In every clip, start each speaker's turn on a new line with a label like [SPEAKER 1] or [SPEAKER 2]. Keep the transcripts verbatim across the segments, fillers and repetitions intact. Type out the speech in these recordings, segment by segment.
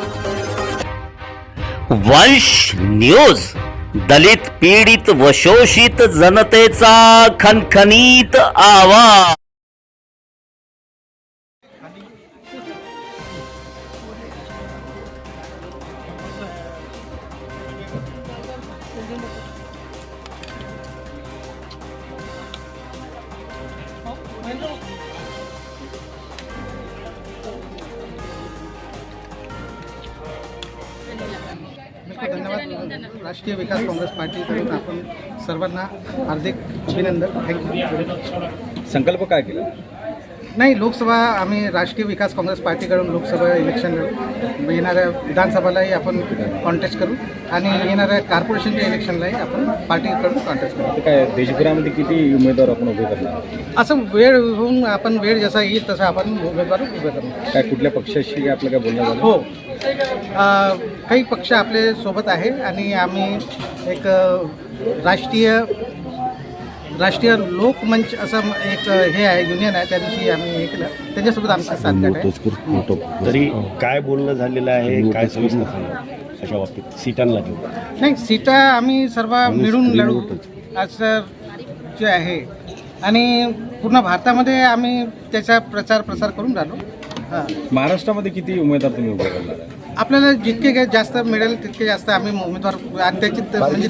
[SPEAKER 1] वंश न्यूज, दलित पीडित व शोषित जनतेचा खणखणीत आवाज।
[SPEAKER 2] धन्यवाद। राष्ट्रीय विकास काँग्रेस पार्टीकडून आपण सर्वांना हार्दिक अभिनंदन, थँक्यू।
[SPEAKER 3] संकल्प काय केला?
[SPEAKER 2] नाही, लोकसभा आम्ही राष्ट्रीय विकास काँग्रेस पार्टीकडून लोकसभा इलेक्शन लढू, येणाऱ्या विधानसभालाही आपण कॉन्टेस्ट करू आणि येणाऱ्या कॉर्पोरेशनच्या इलेक्शनलाही आपण पार्टीकडून कॉन्टेस्ट करू।
[SPEAKER 3] काय देशभरामध्ये किती उमेदवार आपण उभे करणार?
[SPEAKER 2] असं वेळ होऊन आपण वेळ जसा येईल तसा आपण उमेदवार उभे करू।
[SPEAKER 3] काय कुठल्या पक्षाशी आपलं काय बोलणं झालं?
[SPEAKER 2] हो, काही पक्ष आपले सोबत आहे आणि आम्ही एक राष्ट्रीय राष्ट्रीय लोकमंच असं एक हे आहे, युनियन आहे, त्या दिवशी आम्ही हे केलं, त्याच्यासोबत आमचा साथ आहे।
[SPEAKER 4] तरी काय बोलणं झालेलं आहे, काय सविस्तर सांगा अशा बाबतीत सीटांना घेऊन?
[SPEAKER 2] नाही, सीटा आम्ही सर्व मिळून लढू असं जे आहे आणि पूर्ण भारतामध्ये आम्ही त्याचा प्रचार प्रसार करून राहिलो। हां,
[SPEAKER 3] महाराष्ट्रामध्ये किती उमेदवार तुम्ही उभे करणार आहे?
[SPEAKER 2] आपल्याला जितके जास्त मिळेल तितके जास्त आम्ही उमेदवार आणि त्याची म्हणजे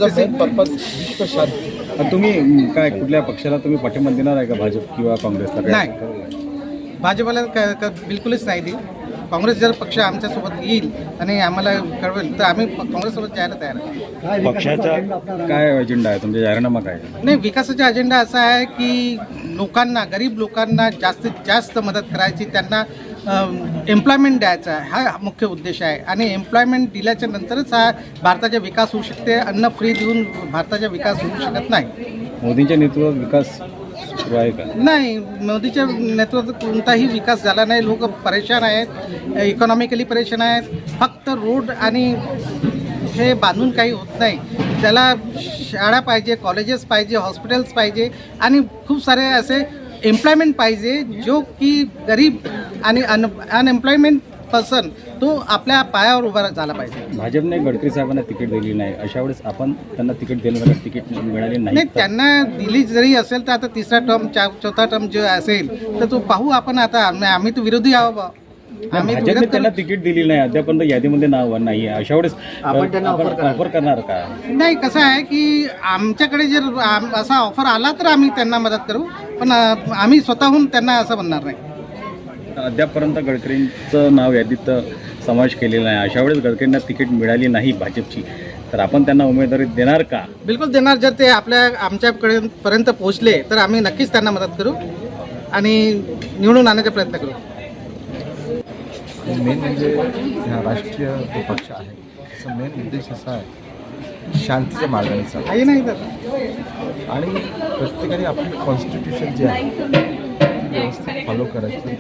[SPEAKER 2] तसे
[SPEAKER 3] आणि तुम्ही काय कुठल्या पक्षाला तुम्ही पाठिंबा देणार आहे का, भाजप किंवा काँग्रेसला?
[SPEAKER 2] नाही, भाजपला क बिलकुलच नाही देऊ। काँग्रेस जर पक्ष आमच्यासोबत येईल आणि आम्हाला कळवेल तर आम्ही काँग्रेससोबत जायला तयार आहे।
[SPEAKER 4] पक्षाचा
[SPEAKER 3] काय अजेंडा आहे तुमचा, जाहीरनामा काय?
[SPEAKER 2] नाही, विकासाचा अजेंडा असा आहे की लोकांना, गरीब लोकांना जास्तीत जास्त मदत करायची, त्यांना एम्प्लॉयमेंट द्यायचा हा मुख्य उद्देश आहे आणि एम्प्लॉयमेंट दिल्याच्या नंतरच हा भारताचा विकास होऊ शकते। अन्न फ्री देऊन भारताचा विकास होऊ शकत नाही।
[SPEAKER 3] मोदींच्या नेतृत्वात विकास सुरू आहे का?
[SPEAKER 2] नाही, मोदीच्या नेतृत्वात कोणताही विकास झाला नाही। लोक परेशान आहेत, इकॉनॉमिकली परेशान आहेत। फक्त रोड आणि हे बांधून काही होत नाही, त्याला शाळा पाहिजे, कॉलेजेस पाहिजे, हॉस्पिटल्स पाहिजे आणि खूप सारे असे एम्प्लॉयमेंट पाहिजे जो की गरीब आणि अन अनएम्प्लॉयमेंट पर्सन तो आपल्या पायावर उभा झाला पाहिजे।
[SPEAKER 3] भाजपने गडकरी साहेबांना तिकीट दिली नाही, अशा वेळेस आपण त्यांना तिकीट दिलं, तिकीट मिळाले नाही
[SPEAKER 2] नाही, त्यांना दिली जरी असेल तर आता तिसरा टर्म चा चौथा टर्म जो असेल तर तो पाहू आपण। आता आम्ही तर विरोधी आहोत, आम्ही
[SPEAKER 3] भाजपने त्यांना तिकीट दिली नाही, अद्यापर्यंत यादीमध्ये नाव नाही आहे, अशा वेळेस आपण त्यांना ऑफर करणार का?
[SPEAKER 2] नाही, कसं आहे की आमच्याकडे जर असा ऑफर आला तर आम्ही त्यांना मदत करू, पण आम्ही स्वतःहून त्यांना असं म्हणणार नाही।
[SPEAKER 3] अद्यापर्यंत गडकरींचं नाव यादीत समावेश केलेला आहे, अशा वेळेस गडकरींना तिकीट मिळाली नाही भाजपची, तर आपण त्यांना उमेदवारी देणार का?
[SPEAKER 2] बिलकुल देणार। जर ते आपल्या आमच्याकडे पर्यंत पोहोचले तर आम्ही नक्कीच त्यांना मदत करू आणि निवडून आणण्याचा प्रयत्न करू।
[SPEAKER 5] मेन म्हणजे ह्या राष्ट्रीय जो पक्ष आहे त्याचा मेन उद्देश असा आहे शांतीच्या मार्गाने चालणं
[SPEAKER 2] काही नाही तर
[SPEAKER 5] आणि प्रत्येकाने आपली कॉन्स्टिट्यूशन जे आहे ती व्यवस्थित फॉलो करायचं,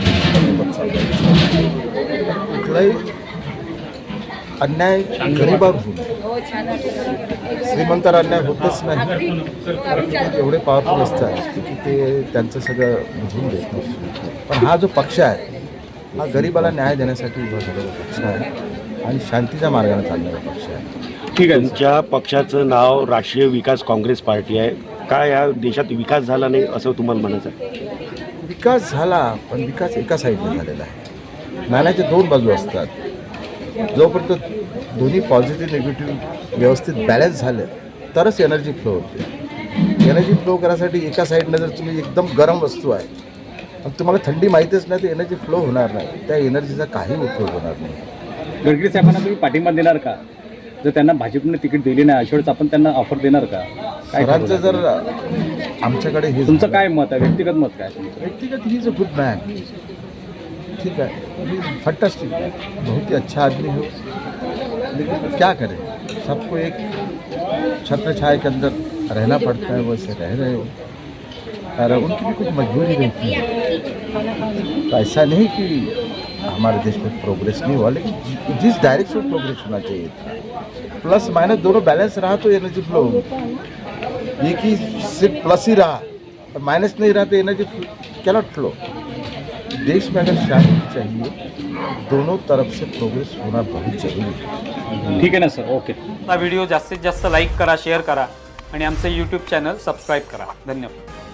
[SPEAKER 5] कुठलाही अन्याय गरिबावर होऊ, श्रीमंतावर अन्याय होतच नाही। एवढे पॉवरफुल असतात की ते त्यांचं सगळं बुजवून देत नाही, पण हा जो पक्ष आहे हा गरिबाला न्याय देण्यासाठी उभा झालेला पक्ष आहे आणि शांतीच्या मार्गाने चालणारा पक्ष आहे।
[SPEAKER 4] ठीक आहे, तुमच्या पक्षाचं नाव राष्ट्रीय विकास काँग्रेस पार्टी आहे, काय या देशात विकास झाला नाही असं तुम्हाला म्हणायचं आहे?
[SPEAKER 5] विकास झाला, पण विकास एका साईडने झालेला आहे। नाण्याचे दोन बाजू असतात, जोपर्यंत दोन्ही पॉझिटिव्ह निगेटिव्ह व्यवस्थित बॅलन्स झाले तरच एनर्जी फ्लो होते। एनर्जी फ्लो करायसाठी एका साईडनं जर तुम्ही एकदम गरम वस्तू आहे आणि तुम्हाला थंडी माहीतच नाही तर एनर्जी फ्लो होणार नाही, त्या एनर्जीचा काही उपयोग होणार नाही।
[SPEAKER 3] गडकरी साहेबांना तुम्ही पाठिंबा देणार का? जर त्यांना भाजपने तिकीट दिली नाही अशा वेळेस आपण त्यांना ऑफर देणार का? काय
[SPEAKER 5] सरांचं जर आमच्याकडे हे
[SPEAKER 3] तुमचं काय मत आहे, व्यक्तिगत मत काय तुमचं?
[SPEAKER 5] व्यक्तिगत he is a good man, ठीक है, फंटास्टिक, बहुत ही अच्छा आदमी हो, लेकिन क्या करें, सबको एक छत्र छाया के अंदर रहना पड़ता है, वैसे रह रहे हो और उनकी भी कुछ मजबूरी रहती है। तो ऐसा नहीं कि हमारे देश में प्रोग्रेस नहीं हुआ, लेकिन जिस डायरेक्शन में प्रोग्रेस होना चाहिए था, प्लस माइनस दोनों बैलेंस रहा तो एनर्जी फ्लो होगी। एक ही सिर्फ प्लस ही रहा और माइनस नहीं रहा तो एनर्जी कैनॉट फ्लो। देश में अगर शांति चाहिए दोनों तरफ से प्रोग्रेस होना बहुत जरूरी है।
[SPEAKER 3] ठीक आहे ना सर, ओके.
[SPEAKER 6] हा व्हिडिओ जास्तीत जास्त लाईक करा, शेअर करा आणि आमचे यूट्यूब चॅनल सबस्क्राईब करा. धन्यवाद.